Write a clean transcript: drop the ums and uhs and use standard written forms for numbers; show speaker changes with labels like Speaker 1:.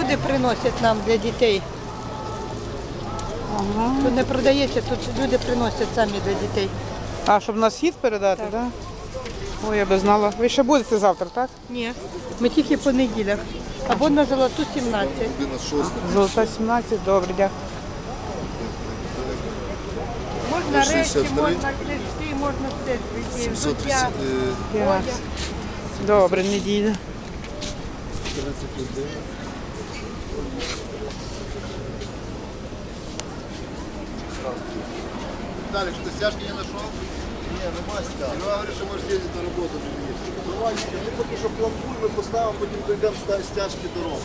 Speaker 1: люди приносять нам для дітей.
Speaker 2: Ага.
Speaker 1: Тут не продається, тут люди приносять самі для дітей.
Speaker 2: А, щоб на схід передати, так?
Speaker 1: Так.
Speaker 2: Да? Ой, я би знала. Ви ще будете завтра, так?
Speaker 1: Ні. Ми тільки по неділях. Або на Золоту 17.
Speaker 2: Золота 17, добре, дякую.
Speaker 1: Можна речі,
Speaker 3: 63.
Speaker 1: можна книжки, можна все. Взуття.
Speaker 3: 750,
Speaker 2: Добре, неділя.
Speaker 3: 31. Виталик, что стяжки не нашел? Не, нема стяжки. Ну, говоришь, что можешь ездить на работу. Давай, ми поки що пломбуй, ми поставимо, потім дойдемо стяжки дорогу.